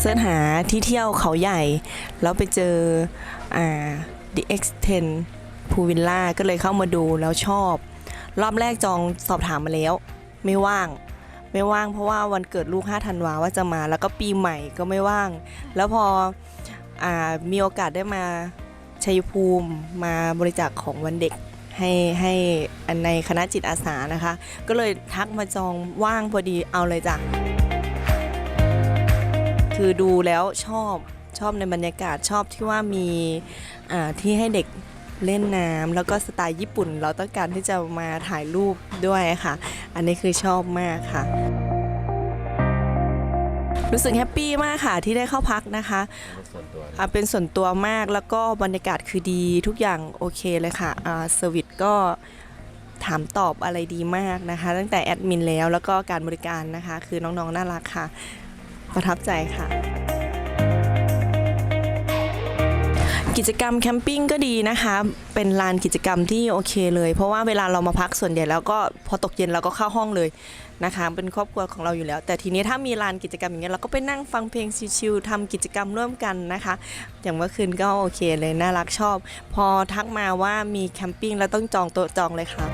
เสิร์ชหาที่เที่ยวเขาใหญ่แล้วไปเจอThe X10 พูวิลล่าก็เลยเข้ามาดูแล้วชอบรอบแรกจองสอบถามมาแล้วไม่ว่างเพราะว่าวันเกิดลูก5 ธันวาว่าจะมาแล้วก็ปีใหม่ก็ไม่ว่างแล้วพอมีโอกาสได้มาชัยภูมิมาบริจาคของวันเด็กให้ในคณะจิตอาสานะคะก็เลยทักมาจองว่างพอดีเอาเลยจ้ะคือดูแล้วชอบในบรรยากาศชอบที่ว่ามีที่ให้เด็กเล่นน้ำแล้วก็สไตล์ญี่ปุ่นเราต้องการที่จะมาถ่ายรูปด้วยค่ะอันนี้คือชอบมากค่ะรู้สึกแฮปปี้มากค่ะที่ได้เข้าพักนะคะเป็นส่วนตัวมากแล้วก็บรรยากาศคือดีทุกอย่างโอเคเลยค่ะเซอร์วิสก็ถามตอบอะไรดีมากนะคะตั้งแต่แอดมินแล้วก็การบริการนะคะคือน้องๆน่ารักค่ะประทับใจค่ะกิจกรรมแคมปิ้งก็ดีนะคะเป็นลานกิจกรรมที่โอเคเลยเพราะว่าเวลาเรามาพักส่วนใหญ่แล้วก็พอตกเย็นเราก็เข้าห้องเลยนะคะเป็นครอบครัวของเราอยู่แล้วแต่ทีนี้ถ้ามีลานกิจกรรมอย่างเงี้ยเราก็ไปนั่งฟังเพลงชิลๆทำกิจกรรมร่วมกันนะคะอย่างเมื่อคืนก็โอเคเลยน่ารักชอบพอทักมาว่ามีแคมปิ้งแล้วต้องจองโต๊ะจองเลยค่ะ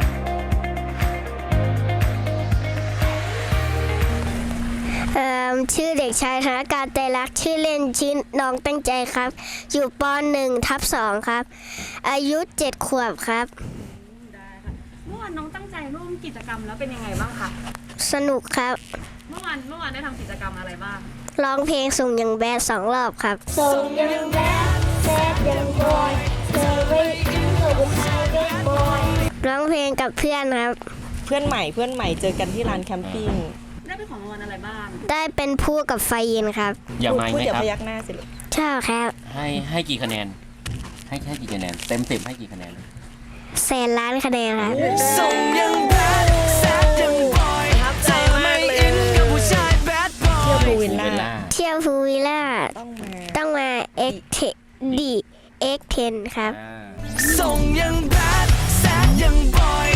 ชื่อเด็กชายธนการใจรักชื่อเล่นชื่อน้องตั้งใจครับอยู่ป .1/2 ครับอายุ7 ขวบครับได้ค่ะเมื่อวานน้องตั้งใจร่วมกิจกรรมแล้วเป็นยังไงบ้างคะสนุกครับเมื่อวานได้ทำกิจกรรมอะไรบ้างร้องเพลงส่งยังแบด2 รอบครับส่งยังแบดแซดยังบอยเธอไม่อินกับผู้ชายแบดบอยร้องเพลงกับเพื่อนครับเพื่อนใหม่เจอกันที่ลานแคมปิ้งได้เป็นของรางวัลอะไรบ้างได้เป็นผู้กับไฟเย็นครับอย่ามาไหมครับพยักหน้าสิลูกชอบครับให้กี่คะแนนให้กี่คะแนนเต็ม10ให้กี่คะแนน 100,000,000 คะแนนครับส่งยังแบดแซดยังบอยประทับใจมากเลยเที่ยวพูวิลล่าต้องมา X10 ครับส่งยังแบดแซดยังบอย